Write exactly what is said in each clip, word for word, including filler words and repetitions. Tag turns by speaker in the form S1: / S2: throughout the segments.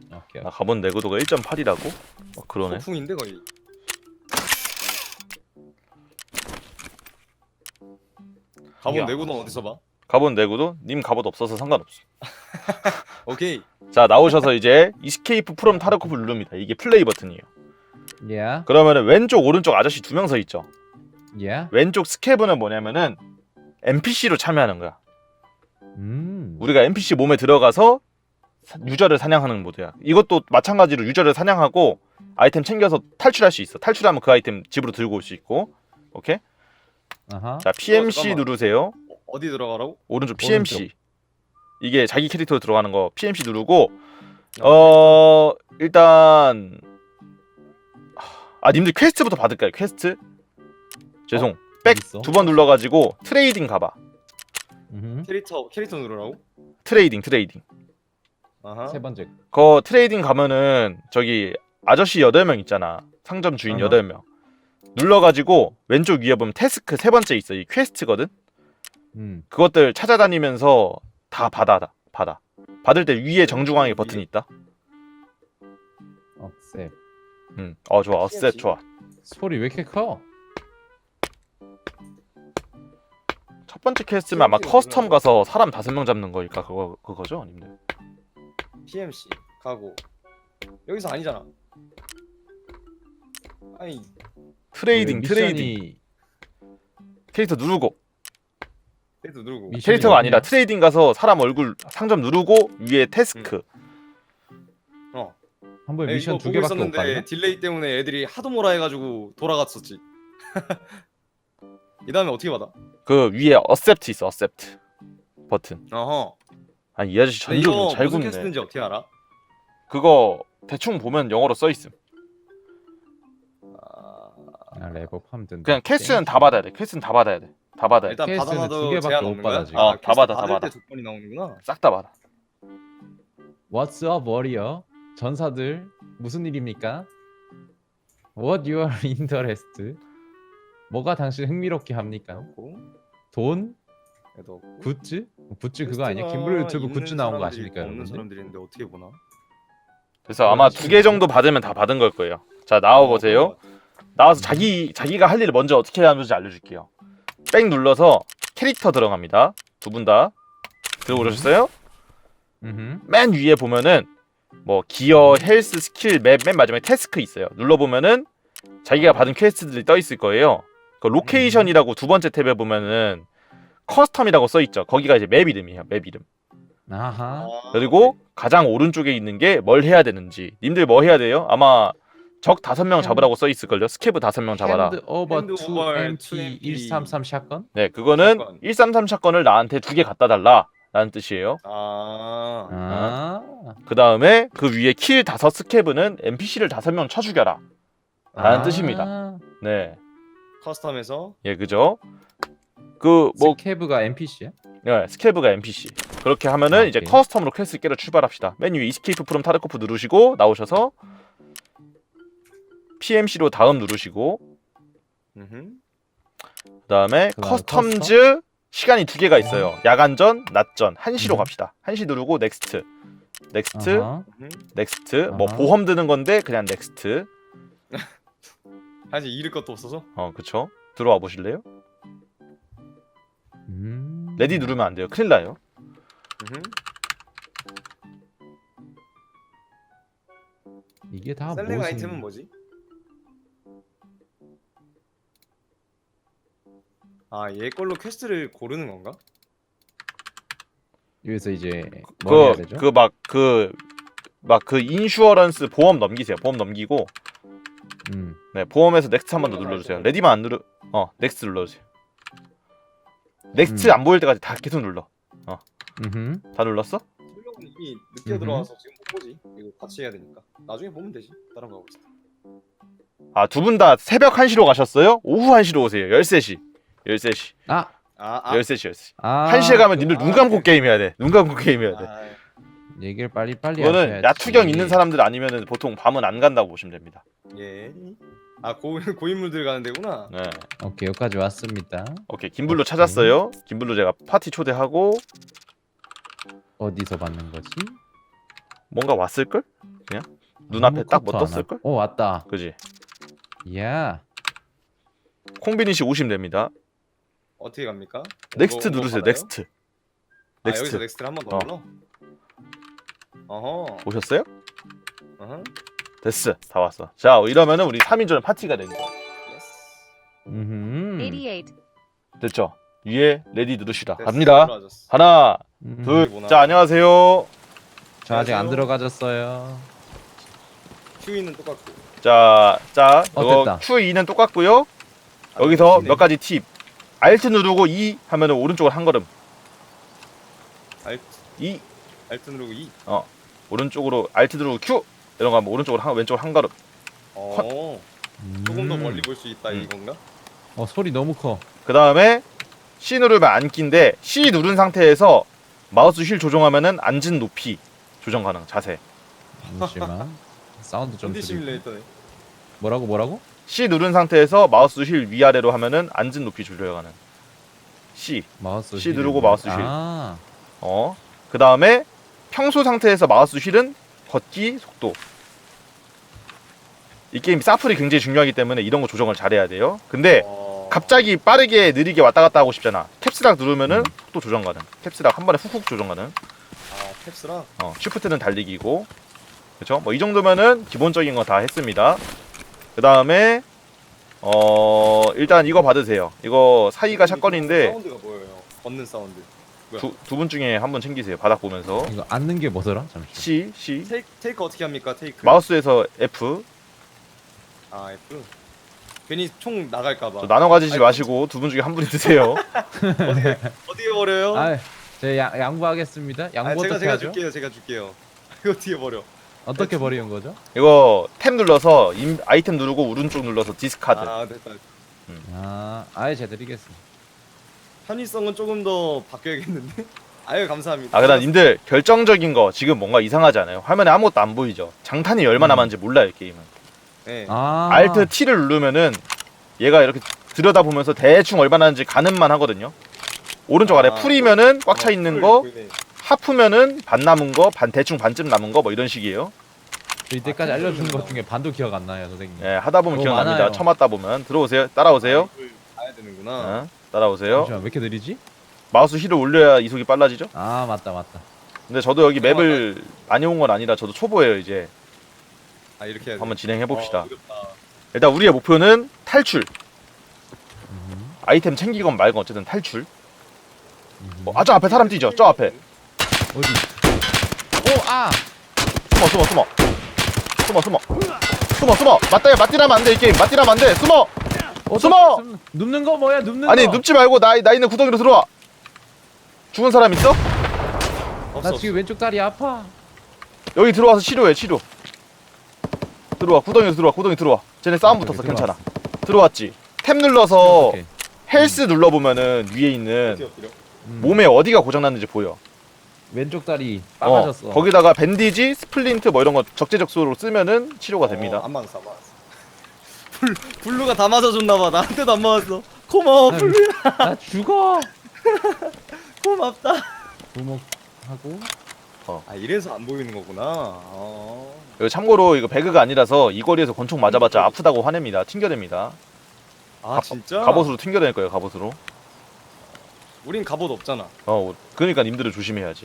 S1: 오케이.
S2: 아, 가본 내구도가 일 점 팔이라고? 어, 그러네.
S3: 폭풍인데 거의. 가본
S2: 야.
S3: 내구는 어디서 봐?
S2: 가본 내구도? 님 갑옷 없어서 상관없어.
S3: 오케이.
S2: 자, 나오셔서 이제 이스케이프 프롬 타르코프 누릅니다. 이게 플레이 버튼이에요.
S1: Yeah.
S2: 그러면은 왼쪽 오른쪽 아저씨 두 명 서 있죠.
S1: Yeah.
S2: 왼쪽 스케브는 뭐냐면은 엔피씨로 참여하는 거야.
S1: 음.
S2: 우리가 엔피씨 몸에 들어가서 사- 유저를 사냥하는 모드야. 이것도 마찬가지로 유저를 사냥하고 아이템 챙겨서 탈출할 수 있어. 탈출하면 그 아이템 집으로 들고 올 수 있고. 오케이?
S1: 아하.
S2: 자, 피엠씨
S3: 잠깐만.
S2: 누르세요.
S3: 어, 어디 들어가라고?
S2: 오른쪽 피엠씨.
S1: 오른쪽.
S2: 이게 자기 캐릭터로 들어가는 거 피엠씨 누르고
S3: 아,
S2: 어 일단 아 님들 퀘스트부터 받을까요? 퀘스트? 죄송. 백
S1: 있어?
S2: 두 번 눌러가지고 트레이딩 가봐.
S1: 음.
S3: 캐릭터 캐릭터 누르라고?
S2: 트레이딩 트레이딩.
S3: 아하.
S1: 세 번째.
S2: 거 트레이딩 가면은 저기 아저씨 여덟 명 있잖아. 상점 주인
S3: 어허.
S2: 여덟 명. 눌러가지고 왼쪽 위에 보면 태스크 세 번째 있어. 이 퀘스트거든.
S1: 음.
S2: 그것들 찾아다니면서 다 받아 받아. 받을 때 위에 정중앙에 버튼이 있다.
S1: 억셉.
S2: 응. 어 좋아. 어셋 좋아.
S1: 소리 왜 이렇게 커?
S2: 첫 번째 퀘스트면 아마
S3: 피엠씨가
S2: 커스텀
S3: 누구야?
S2: 가서 사람 다섯 명 잡는 거니까 그거 그거죠, 님들.
S3: 피엠씨 가고 여기서 아니잖아. 아니
S2: 트레이딩
S1: 그
S2: 트레이딩
S1: 미션이
S2: 캐릭터 누르고
S3: 캐릭터 누르고.
S1: 미션이
S2: 캐릭터가 아니라
S1: 뭐냐?
S2: 트레이딩 가서 사람 얼굴 상점 누르고 위에 태스크.
S3: 어.
S1: 한 번에
S3: 에이,
S1: 미션
S3: 이거
S1: 두
S3: 보고
S1: 개밖에 못
S3: 있었는데
S1: 봤나?
S3: 딜레이 때문에 애들이 하도 뭐라 해가지고 돌아갔었지. 이 다음에 어떻게 받아?
S2: 그 위에 어셉트 있어. 어셉트 버튼.
S3: 어허.
S2: 아니 이 아저씨
S3: 근데
S2: 전좀
S3: 이거
S2: 잘
S3: 무슨
S2: 굽네.
S3: 캐스트인지 어떻게 알아?
S2: 그거 대충 보면 영어로 써 있음.
S3: 아...
S1: 아, 랩업 하면 된다.
S2: 그냥 퀘스트는 다 받아야 돼. 퀘스트는 다 받아야 돼. 다 받아야 돼.
S3: 일단
S1: 캐스트는 두
S3: 받아놔도
S1: 개밖에
S3: 제한
S1: 못
S3: 없는
S1: 받아,
S3: 거야?
S1: 지금.
S2: 어, 다
S3: 퀘스트
S2: 받아, 다
S3: 받을
S2: 받아.
S3: 때 두 번이 나오는구나.
S2: 싹 다 받아.
S1: What's up, warrior? 전사들 무슨 일입니까? What you are interested? 뭐가 당신 흥미롭게 합니까?
S3: 없고,
S1: 돈?
S3: 얘도 없고.
S1: 굿즈? 굿즈 그거 아니야?
S3: 퀘스트가
S1: 김블루 유튜브
S3: 있는
S1: 굿즈 나온 거
S3: 사람들이
S1: 아십니까,
S3: 있고 없는
S1: 여러분들?
S3: 사람들이 있는데 어떻게 보나?
S2: 그래서 아마 두 개 정도 받으면 다 받은 걸 거예요. 자 나와 보세요. 나와서 자기 자기가 할 일을 먼저 어떻게 하는지 알려줄게요. 백 눌러서 캐릭터 들어갑니다. 두 분 다 들어오셨어요?
S1: 음.
S2: 맨 위에 보면은 뭐 기어, 헬스, 스킬, 맵, 맨 마지막에 태스크 있어요. 눌러보면은 자기가 받은 퀘스트들이 떠 있을 거예요. 그 로케이션이라고 두 번째 탭에 보면은 커스텀이라고 써 있죠. 거기가 이제 맵 이름이에요. 맵 이름.
S1: 아하.
S3: 아,
S2: 그리고 가장 오른쪽에 있는 게 뭘 해야 되는지. 님들 뭐 해야 돼요? 아마 적 다섯 명 잡으라고 써 있을걸요. 스케브 다섯 명 잡아라.
S1: 핸드 오버
S3: 핸드
S1: 투
S3: 오버
S1: 엠피 일삼삼 샷건?
S2: 네, 그거는
S3: 샷건.
S2: 일삼삼 샷건을 나한테 두 개 갖다 달라 라는 뜻이에요.
S3: 아,
S1: 아.
S2: 그 다음에 그 위에 킬 다섯 스케브는 엔피씨를 다섯 명 쳐 죽여라 라는
S1: 아.
S2: 뜻입니다. 네,
S3: 커스텀에서
S2: 예, 그죠? 그 뭐
S1: 스케브가 엔피씨야?
S2: 네, 스케브가 엔피씨. 그렇게 하면은
S1: 아,
S2: 이제
S1: 오케이.
S2: 커스텀으로 퀘스트 깨러 출발합시다. 맨 위에 이스케이프 프롬 타르코프 누르시고 나오셔서 피엠씨로 다음 누르시고
S3: 음흠.
S2: 그 다음에
S1: 그다음에
S2: 커스텀즈 시간이 두 개가 있어요. 야간전, 낮전. 한 시로
S1: 음.
S2: 갑시다. 한 시 누르고 넥스트. 넥스트,
S1: 아하.
S3: 음흠.
S2: 넥스트. 뭐
S1: 아하.
S2: 보험 드는 건데 그냥 넥스트.
S3: 사실 잃을 것도 없어서.
S2: 어, 그쵸? 들어와 보실래요?
S1: 음.
S2: 레디 누르면 안 돼요. 큰일 나요.
S3: 음흠.
S1: 이게 다
S3: 셀렉
S1: 무슨
S3: 아이템은 뭐지? 아, 얘 걸로 퀘스트를 고르는 건가?
S1: 여기서 이제 뭐 해야
S2: 그
S1: 되죠?
S2: 그 막 그 막 그 인슈어런스 보험 넘기세요. 보험 넘기고
S1: 음.
S2: 네, 보험에서 넥스트 한 번 더 눌러주세요. 레디만 안 누르 어 넥스트 눌러주세요. 넥스트
S1: 음.
S2: 안 보일 때까지 다 계속 눌러.
S1: 음.
S2: 다 눌렀어?
S3: 출력은 이미 늦게
S1: 음흠.
S3: 들어와서 지금 못 보지. 이거 같이 해야 되니까. 나중에 보면 되지. 다른 거 하고 있어.
S2: 아, 두 분 다 새벽 한 시로 가셨어요? 오후 한 시로 오세요. 열세 시. 열세 시.
S1: 아.
S3: 아, 아.
S2: 열세 시, 열세 시.
S1: 아.
S2: 한 시에 가면 님들
S3: 아,
S2: 눈 감고
S3: 오케이.
S2: 게임 해야 돼. 눈 감고 게임 해야 돼.
S3: 아,
S1: 얘기를 빨리 빨리
S2: 그거는
S1: 하셔야지.
S2: 야투경 있는 사람들 아니면은 보통 밤은 안 간다고 보시면 됩니다.
S3: 예. 아, 고 고인물들 가는 데구나.
S2: 네.
S1: 오케이, 여기까지 왔습니다.
S2: 오케이. 김블루
S1: 오케이.
S2: 찾았어요. 김블루 제가 파티 초대하고
S1: 어디서 받는 거지?
S2: 뭔가 왔을 걸? 그냥 눈앞에 딱 뭐 떴을 걸?
S1: 오 왔다.
S2: 그지?
S1: 야.
S2: 콩비니씨 오시면 됩니다.
S3: 어떻게 갑니까?
S2: 넥스트
S3: 뭐, 뭐
S2: 누르세요.
S3: 받아요?
S2: 넥스트.
S3: 아
S2: 넥스트.
S3: 여기서 넥스트를 한 번 더
S2: 어.
S3: 눌러? 어허
S2: 오셨어요?
S3: 어허
S2: 됐어. 다 왔어. 자, 이러면은 우리 삼 인전 파티가 된 거야.
S3: 예스
S1: 음.
S4: eighty-eight.
S2: 됐죠? 위에 레디 누르시다.
S3: 됐어,
S2: 갑니다.
S3: 들어와줬어.
S2: 하나,
S1: 음.
S2: 둘.
S3: 뭐나?
S2: 자, 안녕하세요.
S1: 저 아직 안
S3: 안녕하세요.
S1: 들어가졌어요.
S3: 큐이는 똑같고
S2: 자, 자,
S1: 어,
S2: 이거
S1: 됐다.
S2: 큐이는 똑같고요.
S3: 아,
S2: 여기서
S3: 큐이네.
S2: 몇 가지 팁. 알트 누르고 이 하면은 오른쪽으로 한 걸음.
S3: 알트
S2: 이
S3: 알트 누르고 이
S2: 오른쪽으로 알트 누르고 큐 이런 거 하면 오른쪽으로 한 왼쪽으로 한 걸음.
S3: 어 조금 더
S1: 음.
S3: 멀리 볼 수 있다
S2: 음.
S3: 이건가?
S1: 어 소리 너무 커.
S2: 그 다음에 C 누르면 앉기인데 C 누른 상태에서 마우스 휠 조정하면은 앉은 높이 조정 가능. 자세.
S1: 잠시만. 사운드 좀
S3: 컨디
S1: 줄이고.
S3: 시뮬레이터네.
S1: 뭐라고 뭐라고?
S2: C 누른 상태에서 마우스 휠 위아래로 하면은 앉은 높이 조절 가능. C.
S1: 마우스
S2: C
S1: 휠이
S2: 누르고
S1: 뭐야?
S2: 마우스 휠.
S1: 아.
S2: 어. 그 다음에 평소 상태에서 마우스 휠은 걷기 속도. 이 게임 사플이 굉장히 중요하기 때문에 이런 거 조정을 잘해야 돼요. 근데
S3: 어...
S2: 갑자기 빠르게 느리게 왔다 갔다 하고 싶잖아. 캡스락 누르면은
S1: 음.
S2: 속도 조정 가능. 캡스락 한 번에 훅훅 조정 가능.
S3: 아 캡스랑
S2: 어, 쉬프트는 달리기고. 그쵸? 뭐 이 정도면은 기본적인 거 다 했습니다. 그 다음에 어 일단 이거 받으세요. 이거 사이가 샷건인데
S3: 사운드가 보여요. 걷는 사운드.
S2: 두 두 분 중에 한 분 챙기세요. 바닥 보면서
S1: 이거 앉는 게 뭐더라? 잠시.
S2: C, C
S3: 테이크 테이크 어떻게 합니까? 테이크.
S2: 마우스에서 F.
S3: 아 F. 괜히 총 나갈까봐.
S2: 저 나눠 가지지
S3: 아이고.
S2: 마시고 두 분 중에 한 분이 드세요.
S3: 어디에 어디에 버려요?
S1: 아, 제가 양, 양보하겠습니다. 양보
S3: 아, 제가
S1: 어떻게
S3: 제가
S1: 하죠?
S3: 줄게요. 제가 줄게요. 이거 어떻게 버려?
S1: 어떻게 버리는 거죠?
S2: 이거 탭 눌러서 임, 아이템 누르고 오른쪽 눌러서 디스카드.
S3: 아 됐다.
S1: 아, 아예 제가 드리겠습니다.
S3: 편의성은 조금 더 바뀌어야겠는데? 아유 감사합니다.
S2: 아, 그다음 님들 결정적인 거 지금 뭔가 이상하지 않아요? 화면에 아무것도 안 보이죠? 장탄이 얼마나
S1: 음.
S2: 많은지 몰라요, 게임은.
S3: 네.
S1: 아.
S2: 알트 T를 누르면은 얘가 이렇게 들여다보면서 대충 얼마나 하는지 가늠만 하거든요. 오른쪽 아래
S3: 아,
S2: 풀이면은 꽉 차
S3: 어,
S2: 있는
S3: 풀
S2: 거,
S3: 보이네.
S2: 하프면은 반 남은 거, 반 대충 반쯤 남은 거 뭐 이런 식이에요.
S1: 저 이때까지
S3: 아,
S1: 알려주는 것
S3: 그렇구나.
S1: 중에 반도 기억 안 나요, 선생님.
S2: 예, 하다 보면
S1: 너무
S2: 기억납니다.
S1: 많아요.
S2: 처음 왔다 보면 들어오세요. 따라오세요.
S3: 아, 이걸 봐야 되는구나.
S2: 어, 따라오세요.
S1: 잠시만, 왜 이렇게 느리지?
S2: 마우스 힐을 올려야 이속이 빨라지죠.
S1: 아, 맞다, 맞다.
S2: 근데 저도 여기 맵을 많이 온 건 아니라 저도 초보예요 이제.
S3: 아 이렇게 해야 돼.
S2: 한번 진행해 봅시다.
S3: 어, 어렵다.
S2: 일단 우리의 목표는 탈출.
S1: 음,
S2: 아이템 챙기건 말건 어쨌든 탈출.
S1: 음.
S2: 어, 아, 저 앞에 사람 뛰죠. 저 앞에.
S1: 어디? 오, 아!
S2: 숨어 숨어 숨어 숨어 숨어 숨어 숨어 맞다야 맞디라면 안돼 이 게임 맞디라면 안돼 숨어
S1: 어,
S2: 숨어!
S1: 숨- 눕는 거 뭐야, 눕는
S2: 아니
S1: 거?
S2: 눕지 말고 나, 나 있는 구덩이로 들어와. 죽은 사람 있어?
S3: 없어,
S1: 나 지금 왼쪽 다리 아파.
S2: 여기 들어와서 치료해 치료. 들어와 구덩이로 들어와 구덩이 들어와. 쟤네 싸움
S1: 오케이,
S2: 붙었어
S1: 오케이,
S2: 괜찮아. 들어왔지. 탭 눌러서
S1: 오케이.
S2: 헬스 눌러보면은 위에 있는
S3: 어떻게 엎드려?
S1: 음,
S2: 몸에 어디가 고장났는지 보여.
S1: 왼쪽 다리
S2: 어,
S1: 빠가졌어.
S2: 거기다가 밴디지, 스플린트 뭐 이런 거 적재적소로 쓰면은 치료가 됩니다.
S3: 어, 안 맞았어, 안 맞았어. 블 블루가 다 맞아줬나봐. 나한테도 안 맞았어. 고마워,
S1: 아유.
S3: 블루야.
S1: 나 죽어.
S3: 고맙다.
S1: 부목하고.
S3: 아 이래서 안 보이는 거구나. 어.
S2: 이거 참고로 이거 배그가 아니라서 이 거리에서 권총 맞아봤자 아프다고 화냅니다. 튕겨냅니다.
S3: 아
S2: 가-
S3: 진짜?
S2: 갑옷으로 튕겨낼 거예요. 갑옷으로.
S3: 우린 갑옷 없잖아.
S2: 어, 그러니까 님들은 조심해야지.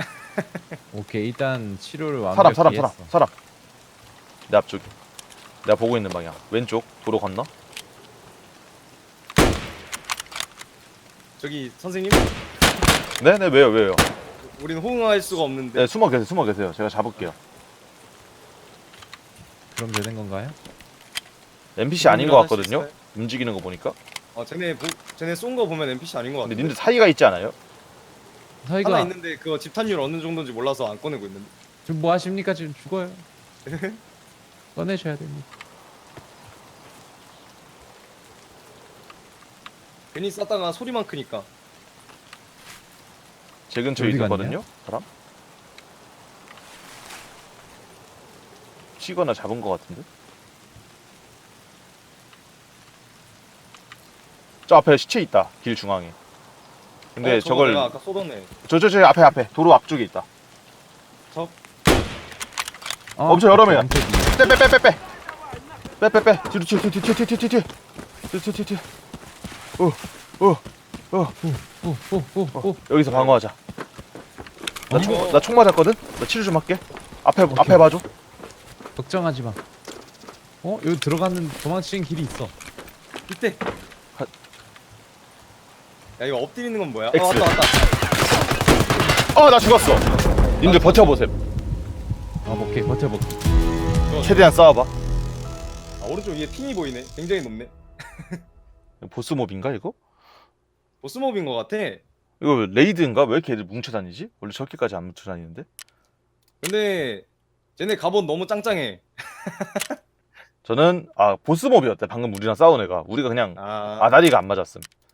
S1: 오케이, 일단 치료를 완벽히
S2: 사람, 사람, 사람,
S1: 했어.
S2: 사람. 내 앞쪽에. 내가 보고 있는 방향. 왼쪽 도로 건너.
S3: 저기 선생님,
S2: 네, 네, 왜요, 왜요?
S3: 우린 호응할 수가 없는데.
S2: 네, 숨어 계세요, 숨어 계세요. 제가 잡을게요.
S1: 그럼 되는 건가요?
S2: 엔피씨 아닌 것
S3: 할수
S2: 같거든요.
S3: 있어요?
S2: 움직이는 거 보니까.
S3: 어, 쟤네 보, 쟤네 쏜 거 보면 엔피씨 아닌 거
S2: 근데
S3: 같은데.
S2: 님들 사이가 있지 않아요?
S1: 저희가
S3: 하나 있는데 그거 집탄율 어느 정도인지 몰라서 안 꺼내고 있는데.
S1: 지금 뭐 하십니까? 지금 죽어요. 꺼내셔야 됩니다.
S3: 괜히 쐈다가 소리만 크니까.
S2: 제 근처에
S1: 어디
S2: 있었거든요. 사람? 치거나 잡은 것 같은데? 저 앞에 시체 있다. 길 중앙에. 근데
S3: 어, 저거
S2: 저걸
S3: 내가 아까 쏘던 애.
S2: 저 저 저 앞에 앞에 도로 앞쪽에 있다.
S3: 저
S1: 어,
S2: 엄청 여러 명이야.
S1: 엄청 뒤에.
S2: 빼빼빼빼빼 빼빼빼 뒤로 뒤로 뒤로 뒤로 뒤로 뒤로 뒤로 뒤로 뒤로 뒤로 오오오
S1: 오, 오, 오, 오.
S2: 여기서 방어하자.
S3: 이거-
S2: 나총 나 총 맞았거든. 나 치료 좀 할게. 앞에
S1: 오케이.
S2: 앞에 봐줘.
S1: 걱정하지 마. 어, 여기 들어가는 도망치는 길이 있어.
S3: 이때.
S2: 가-
S3: 야 이거 엎드리는 건 뭐야?
S2: X.
S3: 아 왔다 왔다.
S2: 아 나 죽었어. 님들 버텨보세요.
S1: 아, 오케이, 버텨볼게.
S2: 최대한 싸워봐.
S3: 아 오른쪽 위에 핑이 보이네. 굉장히 높네.
S2: 보스 몹인가 이거?
S3: 보스몹인 것 같아.
S2: 이거 레이드인가? 왜 이렇게 애들 뭉쳐 다니지? 원래 저렇게까지 안 뭉쳐 다니는데?
S3: 근데 쟤네 갑옷 너무 짱짱해.
S2: 저는 아 보스 몹이었대. 방금 우리랑 싸운 애가. 우리가 그냥
S3: 아,
S2: 아다리가 안 맞았음.